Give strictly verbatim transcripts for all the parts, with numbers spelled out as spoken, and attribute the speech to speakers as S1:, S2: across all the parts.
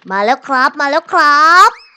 S1: มาแล้วครับมาแล้วครับ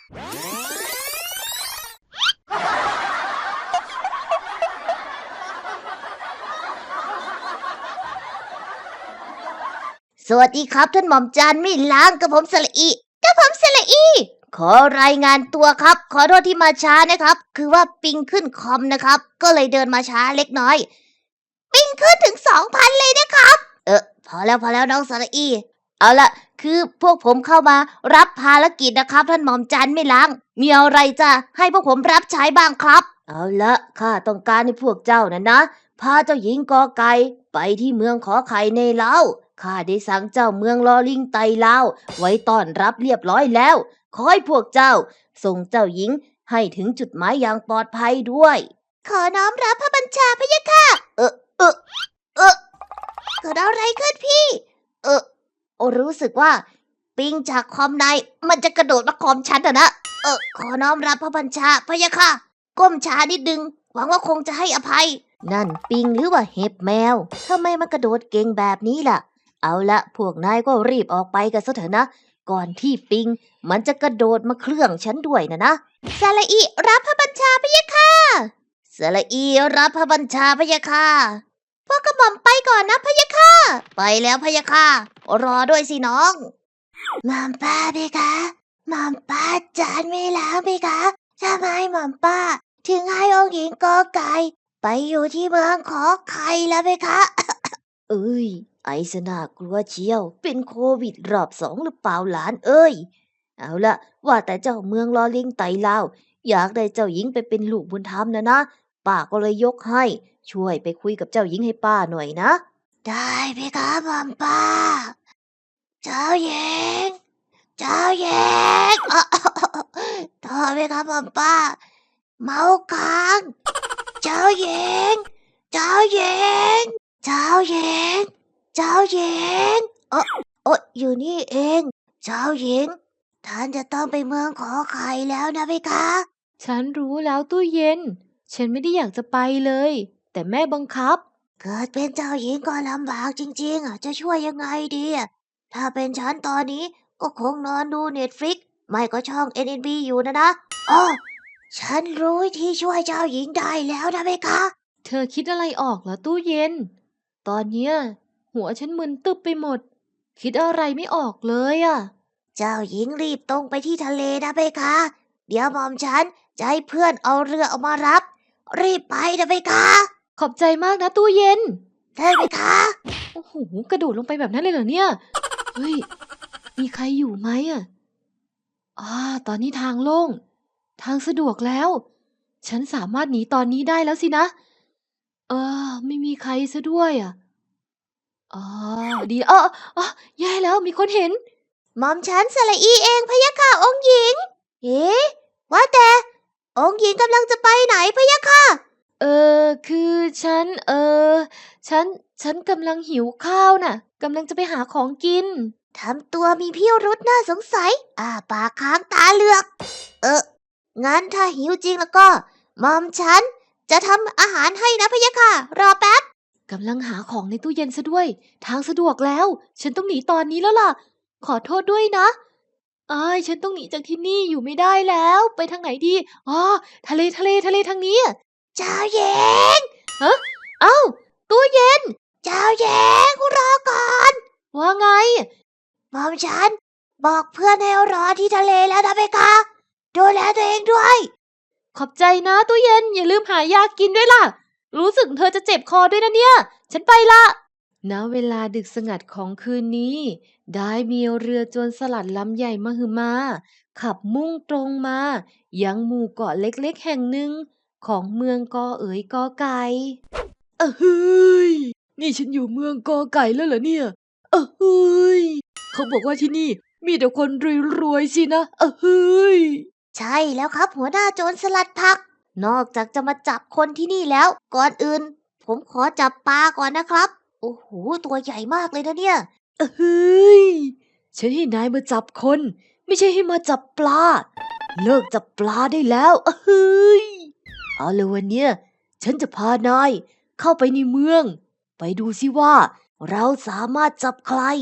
S1: สวัสดีครับท่านหม่อมจันไม่ล้างกับผมสละอีกับผมสละอีขอรายงานตัวครับขอโทษที่มาช้านะครับคือว่าปิงขึ้นคอมนะครับก็เลยเดินมาช้าเล็กน้อยปิงขึ้นถึง สองพัน เลยนะครับเออพอแล้วพอแล้วน้องสละอีเอาละคือพวกผมเข้ามารับภารกิจนะครับท่านหม่อมจันไม่ล้างมีอะไรจะให้พวกผมรับใช้บ้างครับเอาละข้าต้องการให้พวกเจ้านะนะพาเจ้าหญิงกอไก่ไปที่เมืองขอไข่ในเล้าข้าได้สั่งเจ้าเมืองลอลิงไตเล้าไว้ต้อนรับเรียบร้อยแล้วขอให้พวกเจ้าส่งเจ้าหญิงให้ถึงจุดหมายอย่างปลอดภัยด้วยขอน้อมรับพระบัญชาพะยะค่ะเออเออเออเกิดอะไรขึ้นพี่เออโอรู้สึกว่าปิงจากคอมในมันจะกระโดดมาคอมฉันอะนะเออขอน้อมรับพระบัญชาพะยะค่ะก้มช้านิดนึงหวังว่าคงจะให้อภัยนั่นปิงหรือว่าเห็บแมวทำไมมันกระโดดเก่งแบบนี้ล่ะเอาละพวกนายก็รีบออกไปกันซะเถอะนะก่อนที่ปิงมันจะกระโดดมาเครื่องฉันด้วยนะนะสละอีรับพระบัญชาพะยะค่ะสละอีรับพระบัญชาพะยะค่ะพวกกระหม่อมไปก่อนนะพะยะค่ะไปแล้วพะยะค่ะรอด้วยสิน้องหม่อมป้าพี่คะหม่อมป้าจานไม่แล้วพี่คะทำไมหม่อมป้าถึงให้องค์หญิงกอไก่ไปอยู่ที่เมืองขอไข่แล้วพี่คะ เอ้ยไอซะน่ากลัวเชียวเป็นโควิดรอบสองหรือเปล่าหลานเอ้ยเอาละว่าแต่เจ้าเมืองลอลิงไตลาวอยากได้เจ้าหญิงไปเป็นลูกบุญธรรมนะนะป้าก็เลยยกให้ช่วยไปคุยกับเจ้าหญิงให้ป้าหน่อยนะได้พี่ครับหม่อมป้าเจ้าหญิงเจ้าหญิงอ๋อโทษพี่ครับหม่อมป้าเมาค้างเจ้าหญิงเจ้าหญิงเจ้าหญิงเจ้าหญิงเออโอ้อยู่นี่เองเจ้าหญิงท่านจะต้องไปเมืองขอไข่แล้วนะพี่คะ
S2: ฉันรู้แล้วตู้เย็น ฉันไม่ได้อยากจะไปเลย แต่แม่บังคับ
S1: เกิดเป็นเจ้าหญิงก็ลำบากจริงๆอ่ะจะช่วยยังไงดีอ่ะถ้าเป็นฉันตอนนี้ก็คงนอนดูเน็ตฟลิกไม่ก็ช่อง เอ็น เอ็น บี อยู่นะนะอ๋อฉันรู้วิธีช่วยเจ้าหญิงได้แล้วนะพี่คะ
S2: เธอคิดอะไรออกเหรอตู้เย็น ตอนเนี้ยหัวฉันมึนตึบไปหมด คิดอะไรไม่ออกเลยอะ
S1: เจ้าหญิงรีบตรงไปที่ทะเลนะเพคะเดี๋ยวหม่อมฉันจะให้เพื่อนเอาเรือเอามารับ รีบไปนะเพคะ
S2: ขอบใจมากนะตู้เย็น
S1: ได้เพคะ
S2: โอ้โห กระโดดลงไปแบบนั้นเลยเหรอเนี่ย เฮ้ย มีใครอยู่ไหมอะอ่าตอนนี้ทางโล่ง ทางสะดวกแล้ว ฉันสามารถหนีตอนนี้ได้แล้วสินะ เออ ไม่มีใครซะด้วยอะ อ๋อดีเออเออแย่แล้วมีคนเห็น
S1: หม่อมฉันสละอีเองพะยะค่ะองค์หญิงเอ๊ะว่าแต่องค์หญิงกำลังจะไปไหนพะยะค่ะ
S2: เออคือฉันเออฉันฉันกำลังหิวข้าวน่ะกำลังจะไปหาของกิน
S1: ทำตัวมีพิรุธน่าสงสัยอ่าปากค้างตาเหลือก เอองั้นถ้าหิวจริงแล้วก็หม่อมฉันจะทำอาหารให้นะพะยะค่ะรอแป๊บ
S2: กำลังหาของในตู้เย็นซะด้วยทางสะดวกแล้ว ฉันต้องหนีตอนนี้แล้วล่ะ ขอโทษด้วยนะอ้ายฉันต้องหนีจากที่นี่อยู่ไม่ได้แล้วไปทางไหนดีอ๋อทะเลทะเลทะเลทางนี้อะ
S1: เจ้าหญิง
S2: ฮะเอ้าตู้เย็น
S1: เจ้าหญิงรอก่อน
S2: ว่าไง
S1: หม่อมฉันบอกเพื่อนให้รอที่ทะเลแล้วนะเพคะดูแลตัวเองด้วย
S2: ขอบใจนะตู้เย็นอย่าลืมหายากินด้วยล่ะ รู้สึกเธอจะเจ็บคอด้วยนะเนี่ย ฉันไปละณเวลาดึกสงัดของคืนนี้ ได้มีเรือโจรสลัดลำใหญ่มหึมา ขับมุ่งตรงมา ยังหมู่เกาะเล็กๆแห่งหนึ่ง ของเมืองกอเอ๋ยกอไก่เออเฮ้ยนี่ฉันอยู่เมืองกอไก่แล้วเหรอเนี่ยเออเฮ้ยเขาบอกว่าที่นี่มีแต่คนรวยๆสินะเออเฮ้ย
S1: ใช่แล้วครับหัวหน้าโจรสลัดผัก นอกจากจะมาจับคนที่นี่แล้ว ก่อนอื่น ผมขอจับปลาก่อนนะครับ โอ้โหตัวใหญ่มากเลยนะเนี่ย
S2: เอ้ยฉันให้นายมาจับคน ไม่ใช่ให้มาจับปลา เลิกจับปลาได้แล้วเอ้ยเอาเลยวันเนี้ยฉันจะพานายเข้าไปในเมือง ไปดูสิว่าเราสามารถจับใคร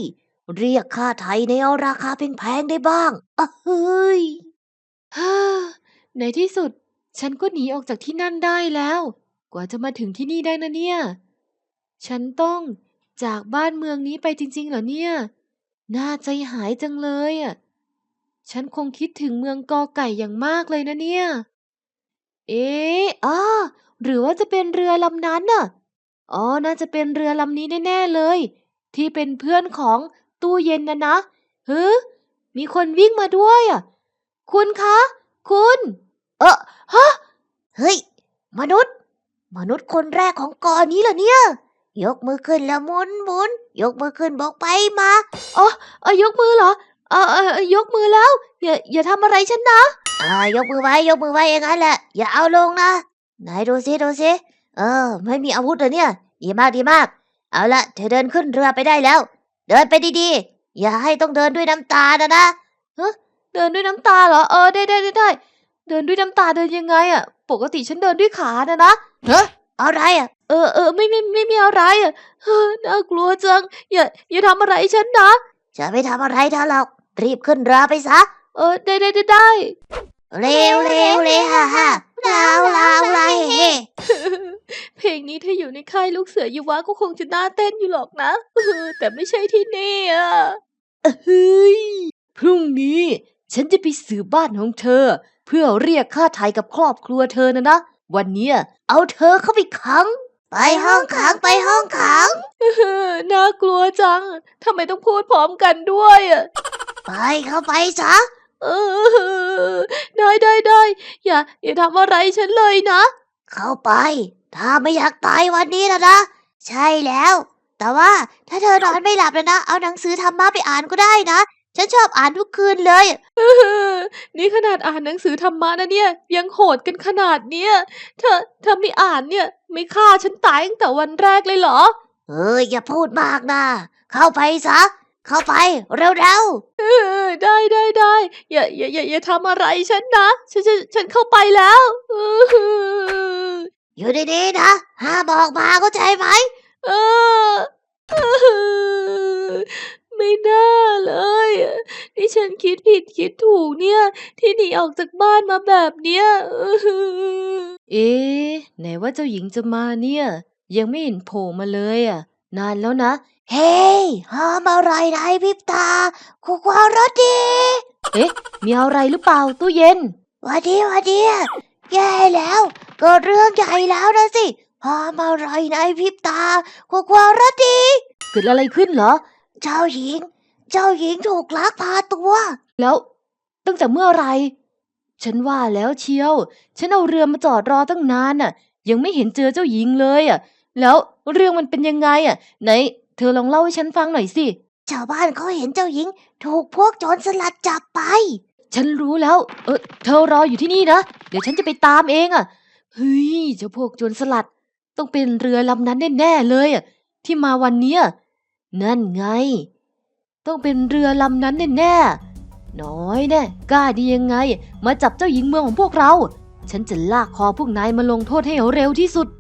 S1: เรียกค่าไถ่ในราคาแพงๆได้บ้างอะเฮ้ย
S2: ฮ่าในที่สุด ฉันก็หนีออกจากที่นั่นได้แล้ว กว่าจะมาถึงที่นี่ได้นะเนี่ย ฉันต้องจากบ้านเมืองนี้ไปจริงๆเหรอเนี่ย น่าใจหายจังเลยอ่ะ ฉันคงคิดถึงเมืองกอไก่อย่างมากเลยนะเนี่ย เอ๊ะอ้อหรือว่าจะเป็นเรือลำนั้นน่ะ อ๋อ น่าจะเป็นเรือลำนี้แน่ๆเลย ที่เป็นเพื่อนของตู้เย็นนะนะเฮ้อมีคนวิ่งมาด้วยอ่ะ คุณคะ คุณ
S1: เออฮะเฮ้ย มนุษย์ มนุษย์คนแรกของเกาะนี้เหรอเนี่ย ยกมือขึ้นแล้วหมุนหมุนยกมือขึ้นบอกไปมา
S2: อ๋อเออยกมือเหรอเออเออเออยกมือแล้ว อย่าอย่าทำอะไรฉันนะ
S1: อ่ายกมือไว้ยกมือไว้อย่างนั้นแหละ อย่าเอาลงนะไหนดูซิดูซิเออ ไม่มีอาวุธเลยเนี่ย ดีมากดีมาก เอาละเธอเดินขึ้นเรือไปได้แล้ว เดินไปดีๆ อย่าให้ต้องเดินด้วยน้ำตานะนะ
S2: เดินด้วยน้ำตาเหรอ เออได้ได้ได้ได้เดินด้วยน้ำตาเดินยังไงอ่ะ ปกติฉันเดินด้วยขานะนะ
S1: เฮ้ยอะไรอ่ะ
S2: เออเออไม่ไม่ไม่มีอะไรอ่ะเฮ้อน่ากลัวจัง อย่าอย่าทำอะไรฉันนะ
S1: จะไม่ทำอะไรเธอหรอก รีบขึ้นเรือไปซะ
S2: เออได้ได้ได้ได้
S1: เร็วเร็วเร็วฮ่าฮ่าลาวลาวลาเฮเฮ
S2: เพลงนี้ถ้าอยู่ในค่ายลูกเสือยูวะก็คงจะน่าเต้นอยู่หรอกนะเออแต่ไม่ใช่ที่นี่อ่ะเฮ้ยพรุ่งนี้ฉันจะไปสืบบ้านของเธอ เพื่อเรียกค่าไถ่กับครอบครัวเธอนะนะวันเนี้ยเอาเธอเข้าไปขัง
S1: ไปห้องขังไปห้องขัง
S2: เออน่ากลัวจังทำไมต้องพูดพร้อมกันด้วยอ่ะ
S1: ไปเข้าไปซะ
S2: เออได้ได้ได้อย่าอย่าทำอะไรฉันเลยนะ
S1: เข้าไป ถ้าไม่อยากตายวันนี้นะนะ ใช่แล้ว แต่ว่าถ้าเธอนอนไม่หลับนะนะ เอาหนังสือธรรมะไปอ่านก็ได้นะ ฉันชอบอ่านทุกคืนเลย
S2: เออนี่ขนาดอ่านหนังสือธรรมะนะเนี่ย ยังโหดกันขนาดเนี้ยเธอเธอไม่อ่านเนี่ย ไม่ฆ่าฉันตายตั้งแต่วันแรกเลยเหรอ
S1: เอออย่าพูดมากนะ เข้าไปซะ เข้าไปเร็ว
S2: เออได้ได้ได้อย่าอย่าอย่าอย่าทำอะไรฉันนะฉันฉันฉันเข้าไปแล้วเออ
S1: ๆ อยู่ดีๆนะ ห้ามออกมาเข้าใจไหม
S2: เออเออไม่น่าเลยอะนี่ฉันคิดผิดคิดถูกเนี่ย ที่หนีออกจากบ้านมาแบบเนี้ยเออเอ๊ะไหนว่าเจ้าหญิงจะมาเนี่ย ยังไม่เห็นโผล่มาเลยอ่ะ นานแล้วนะ
S1: เฮ้ยห้ามอะไรนายพริบตาคุกวารถดี
S2: เอ๊ะ มีอะไรหรือเปล่าตู้เย็น
S1: หวันดีหวันดีแย่แล้วเกิดเรื่องใหญ่แล้วนะสิห้ามอะไรนายพริบตาคุกวารถดี
S2: เกิดอะไรขึ้นเหรอ
S1: เจ้าหญิง เจ้าหญิงถูกลักพาตัว
S2: แล้วตั้งแต่เมื่อไหรฉันว่าแล้วเชียว ฉันเอาเรือมาจอดรอตั้งนานน่ะ ยังไม่เห็นเจอเจ้าหญิงเลยอ่ะ แล้วเรื่องมันเป็นยังไงอ่ะ ไหน เธอลองเล่าให้ฉันฟังหน่อยสิ
S1: ชาวบ้านเขาเห็นเจ้าหญิง ถูกพวกโจรสลัดจับไป
S2: ฉันรู้แล้ว เออเธอรออยู่ที่นี่นะ เดี๋ยวฉันจะไปตามเองอ่ะ เฮ้ยเจ้าพวกโจรสลัด ต้องเป็นเรือลำนั้นแน่ๆเลยอ่ะ ที่มาวันเนี้ยนั่นไง ต้องเป็นเรือลำนั้นแน่ๆน้อยแน่กล้าดียังไง มาจับเจ้าหญิงเมืองของพวกเรา ฉันจะลากคอพวกนายมาลงโทษให้เร็วที่สุด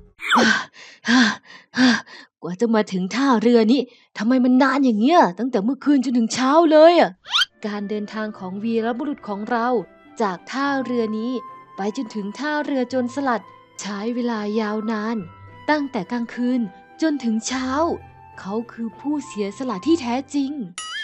S2: กว่าจะมาถึงท่าเรือนี้ทำไมมันนานอย่างเงี้ยตั้งแต่เมื่อคืนจนถึงเช้าเลยอ่ะ การเดินทางของวีรบุรุษของเรา จากท่าเรือนี้ไปจนถึงท่าเรือโจรสลัด ใช้เวลายาวนาน ตั้งแต่กลางคืนจนถึงเช้า เขาคือผู้เสียสละที่แท้จริง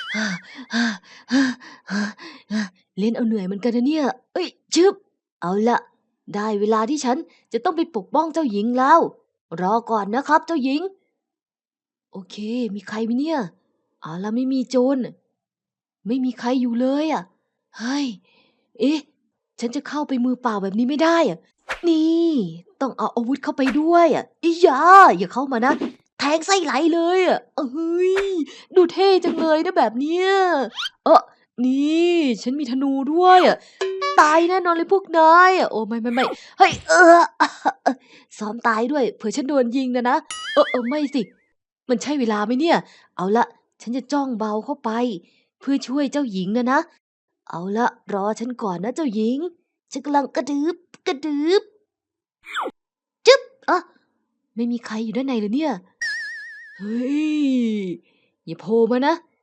S2: เล่นเอาเหนื่อยเหมือนกันนะเนี่ย เอ้ยชึบเอาละได้เวลาที่ฉันจะต้องไปปกป้องเจ้าหญิงแล้ว รอก่อนนะครับเจ้าหญิง โอเค มีใครไหมเนี่ยเอาละไม่มีโจร ไม่มีใครอยู่เลยอ่ะ เฮ้ย เอ๊ะ ฉันจะเข้าไปมือเปล่าแบบนี้ไม่ได้อ่ะ นี่ ต้องเอาอาวุธเข้าไปด้วยอ่ะอียาอย่าเข้ามานะ แทงไส้ไหลเลยอ่ะเอ้ย ดูเท่จังเลยนะแบบเนี้ย เออนี่ ฉันมีธนูด้วยอ่ะ ตายแน่นอนเลยพวกนายอ่ะ โอ้ไม่ไม่ไม่เฮ้ย เออซ้อมตายด้วย เผื่อฉันโดนยิงนะนะ เออเออไม่สิ มันใช่เวลาไหมเนี่ย เอาละ ฉันจะจ้องเบาเข้าไป เพื่อช่วยเจ้าหญิงนะนะ เอาละรอฉันก่อนนะเจ้าหญิง ฉันกำลังกระดึบกระดึบจึ๊บอ่ะไม่มีใครอยู่ด้านในเลยเนี่ย เฮ้ย อย่าโผล่มานะ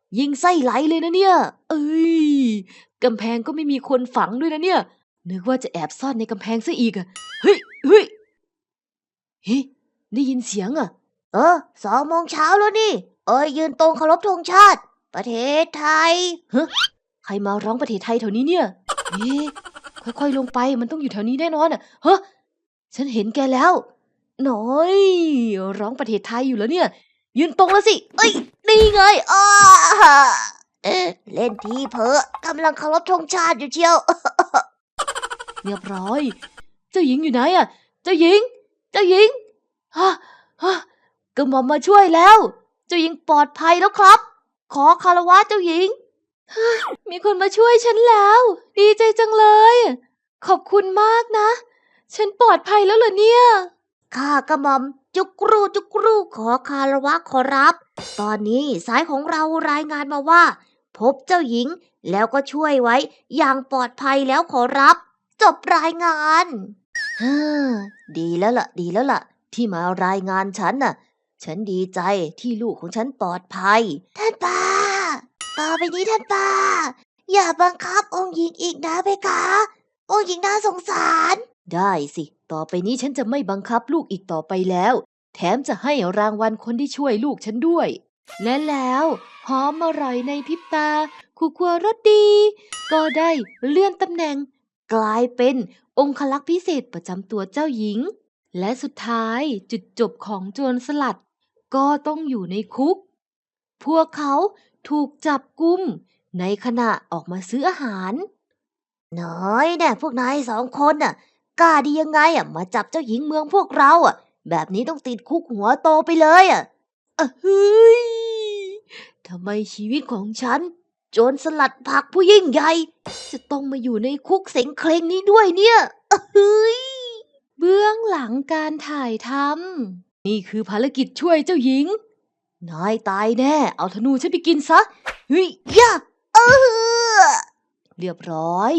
S2: ยิงไส้ไหลเลยนะเนี่ย เอ้ยกำแพงก็ไม่มีคนฝังด้วยนะเนี่ย นึกว่าจะแอบซ่อนในกำแพงซะอีกอะเฮ้ยเฮ้ยเฮ้ยได้ยินเสียงอะ
S1: เออสองโมงเช้าแล้วนี่ เอ้ยยืนตรงเคารพธงชาติ ประเทศไทย
S2: ฮะใครมาร้องประเทศไทยแถวนี้เนี่ยเอ๊ะค่อยๆลงไปมันต้องอยู่แถวนี้แน่นอนอะฮะฉันเห็นแกแล้วหน่อยร้องประเทศไทยอยู่แล้วเนี่ย ยืนตรงแล้วสิ เอ้ยนี่ไงอ้า
S1: เอ๊ะเล่นทีเพอกำลังเคารพธงชาติอยู่เชียว
S2: เรียบร้อย เจ้าหญิงอยู่ไหนอะเจ้าหญิง เจ้าหญิงฮะฮะกระหม่อมมาช่วยแล้ว เจ้าหญิงปลอดภัยแล้วครับ ขอคารวะเจ้าหญิง มีคนมาช่วยฉันแล้ว ดีใจจังเลย ขอบคุณมากนะ ฉันปลอดภัยแล้วเหรอเนี่ย
S1: ข้ากระหม่อมจุกรูจุกรูขอคารวะขอรับ ตอนนี้สายของเรารายงานมาว่า พบเจ้าหญิงแล้วก็ช่วยไว้อย่างปลอดภัยแล้วขอรับ จบรายงานฮ่าดีแล้วล่ะ ดีแล้วล่ะ ที่มารายงานฉันน่ะ ฉันดีใจที่ลูกของฉันปลอดภัย ท่านป้า ต่อไปนี้ท่านป้า อย่าบังคับองค์หญิงอีกนะเพคะ องค์หญิงน่าสงสาร
S2: ได้สิ ต่อไปนี้ฉันจะไม่บังคับลูกอีกต่อไปแล้ว แถมจะให้รางวัลคนที่ช่วยลูกฉันด้วย และแล้วหอมอร่อยในพริบตาคู่ครัวรสดี ก็ได้เลื่อนตำแหน่ง กลายเป็นองคลักษ์พิเศษประจำตัวเจ้าหญิง และสุดท้ายจุดจบของโจรสลัด ก็ต้องอยู่ในคุก พวกเขาถูกจับกุมในขณะออกมาซื้ออาหาร
S1: น้อยแน่พวกนายสองคนน่ะกล้าดียังไงอ่ะมาจับเจ้าหญิงเมืองพวกเราอ่ะ แบบนี้ต้องติดคุกหัวโตไปเลยอ่ะ
S2: อะเฮ้ยทำไมชีวิตของฉัน
S1: โจรสลัดผักผู้ยิ่งใหญ่ จะต้องมาอยู่ในคุกเสงเคร่งนี้ด้วยเนี่ยอะเฮ้ย
S2: เบื้องหลังการถ่ายทำนี่คือภารกิจช่วยเจ้าหญิง นายตายแน่ เอาธนูฉันไปกินซะ เฮ้ย
S1: ย่าเออ
S2: เรียบร้อย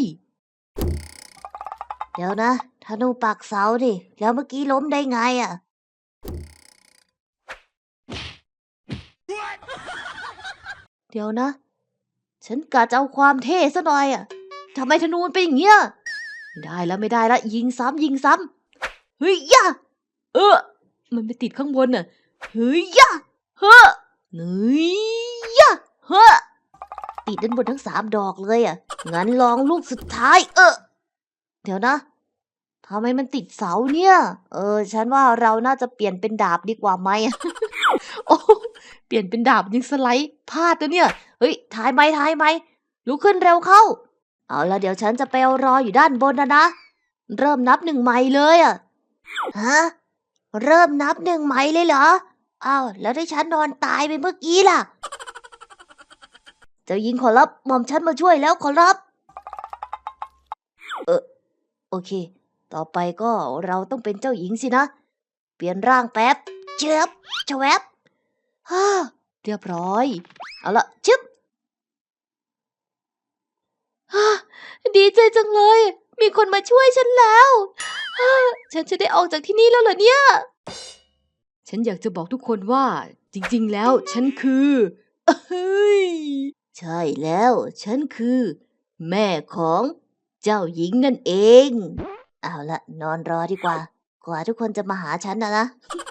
S1: เดี๋ยวนะธนูปักเสาดิแล้วเมื่อกี้ล้มได้ไงอ่ะ
S2: เดี๋ยวนะ ฉันกะจะเอาความเท่ซะหน่อยอ่ะทำไมธนูมันเป็นอย่างเงี้ยไม่ได้แล้วไม่ได้แล้วยิงซ้ำยิงซ้ำเฮ้ยย่าเออ มันไปติดข้างบนน่ะเฮ้ยย่าเฮ้อเฮ้ยย่าเฮ้อ
S1: ติดด้านบนทั้งสามดอกเลยอ่ะ งั้นลองลูกสุดท้าย เออ เดี๋ยวนะทำไมมันติดเสาเนี่ย เออ ฉันว่าเราน่าจะเปลี่ยนเป็นดาบดีกว่าไหม
S2: โอ้เปลี่ยนเป็นดาบยิงสไลด์พลาดแล้วเนี่ย
S1: เฮ้ยถ่ายไหมถ่ายไหมลุกขึ้นเร็วเข้า เอาละเดี๋ยวฉันจะไปเอารออยู่ด้านบนนะนะ เริ่มนับหนึ่งใหม่เลยอ่ะ ฮะ เริ่มนับหนึ่งใหม่เลยเหรอ อ้าวแล้วที่ฉันนอนตายไปเมื่อกี้ล่ะ เจ้าหญิงขอรับหม่อมฉันมาช่วยแล้วขอรับ เออโอเค ต่อไปก็เราต้องเป็นเจ้าหญิงสินะ เปลี่ยนร่างแป๊บเจ็บชะแวบฮ่า
S2: เรียบร้อย
S1: เอาละชึบ
S2: ฮ่าดีใจจังเลย มีคนมาช่วยฉันแล้วฮ่าฉันจะได้ออกจากที่นี่แล้วเหรอเนี่ย ฉันอยากจะบอกทุกคนว่า จริงๆแล้วฉันคือเฮ้ย
S1: ใช่แล้ว ฉันคือ แม่ของเจ้าหญิงนั่นเอง เอาละนอนรอดีกว่า กว่าทุกคนจะมาหาฉันนะนะ